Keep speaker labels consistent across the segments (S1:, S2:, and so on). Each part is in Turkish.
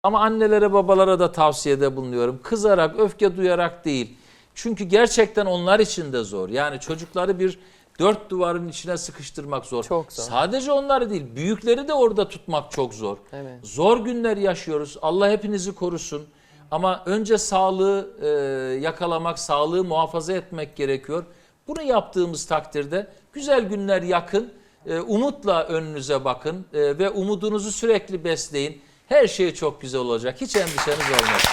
S1: Ama annelere babalara da tavsiyede bulunuyorum. Kızarak, öfke duyarak değil. Çünkü gerçekten onlar için de zor. Yani çocukları bir dört duvarın içine sıkıştırmak zor.
S2: Çok zor.
S1: Sadece onları değil, büyükleri de orada tutmak çok zor.
S2: Evet.
S1: Zor günler yaşıyoruz. Allah hepinizi korusun. Ama önce sağlığı yakalamak, sağlığı muhafaza etmek gerekiyor. Bunu yaptığımız takdirde güzel günler yakın. Umutla önünüze bakın ve umudunuzu sürekli besleyin. Her şey çok güzel olacak. Hiç endişeniz olmaz.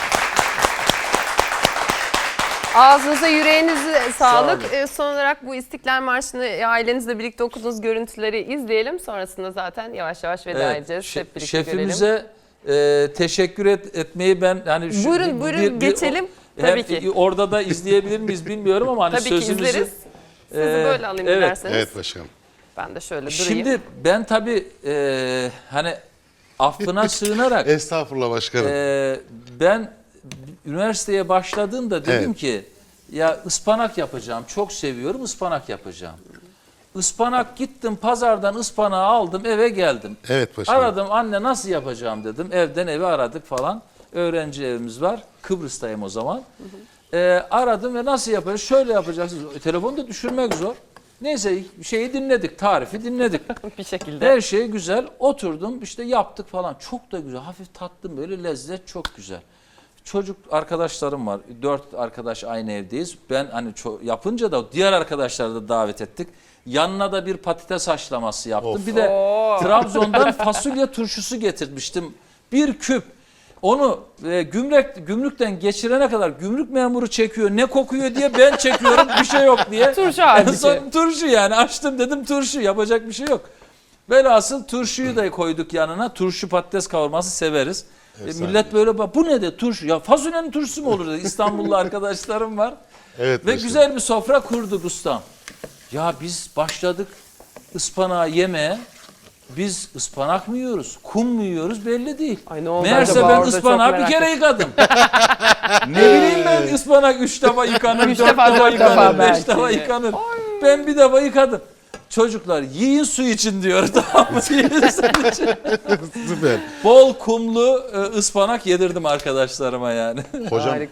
S2: Ağzınıza, yüreğinize sağlık.
S1: Sağ olun.
S2: Son olarak bu İstiklal Marşı'nı ailenizle birlikte okuduğunuz görüntüleri izleyelim. Sonrasında zaten yavaş yavaş veda edeceğiz. Hep birlikte görelim.
S1: Şefimize teşekkür etmeyi ben hani
S2: Buyurun geçelim. Tabii ki.
S1: Orada da izleyebilir miyiz bilmiyorum ama hani
S2: Tabii ki
S1: sözümüzü
S2: izleriz. Sizi böyle alayım dilerseniz.
S3: Evet başkanım.
S2: Ben de şöyle durayım.
S1: Şimdi ben tabii hani affına sığınarak
S3: Estağfurullah başkanım.
S1: ben üniversiteye başladığımda dedim ki ya ıspanak yapacağım. Çok seviyorum, ıspanak yapacağım. Ispanak gittim pazardan ıspanağı aldım eve geldim.
S3: Evet başkanım.
S1: Aradım anne nasıl yapacağım dedim. Evden evi aradık falan. Öğrenci evimiz var. Kıbrıs'tayım o zaman. Aradım ve nasıl yapacağız? Şöyle yapacaksınız. Telefonu da düşürmek zor. Neyse şeyi dinledik, tarifi dinledik.
S2: Bir şekilde.
S1: Her şey güzel. Oturdum işte yaptık falan. Çok da güzel. Hafif tattım böyle lezzet çok güzel. Çocuk arkadaşlarım var. 4 arkadaş aynı evdeyiz. Ben hani yapınca da diğer arkadaşları da davet ettik. Yanına da bir patates haşlaması yaptım.
S3: Of.
S1: Bir de Trabzon'dan fasulye turşusu getirmiştim. Bir küp. Onu gümrükten geçirene kadar gümrük memuru çekiyor. Ne kokuyor diye ben çekiyorum. Bir şey yok diye.
S2: Turşu
S1: En
S2: halbuki.
S1: son turşu yani açtım dedim turşu yapacak bir şey yok. Velhasıl turşuyu da koyduk yanına. Turşu patates kavurması severiz. Millet böyle bak bu ne de turşu ya fasulyenin turşusu mu olur dedi. İstanbullu arkadaşlarım var.
S3: Evet
S1: Ve
S3: başkanım.
S1: güzel bir sofra kurduk ustam. Ya biz başladık ıspanağı yemeye. Biz ıspanak mı yiyoruz, kum mu yiyoruz belli değil.
S2: Ay ne oldu
S1: Meğerse
S2: acaba
S1: ben
S2: orada, çok
S1: ıspanağı bir
S2: merak
S1: kere yıkadım. Ne bileyim ben ıspanak 3 defa yıkanır, 4
S2: defa,
S1: defa
S2: dört defa
S1: yıkanır, 5
S2: belki.
S1: defa yıkanır. Ben bir defa yıkadım. Çocuklar yiyin su için diyor tamam mı? Yiyin su için.
S3: Süper.
S1: Bol kumlu ıspanak yedirdim arkadaşlarıma yani.
S3: Hocam
S2: Harika.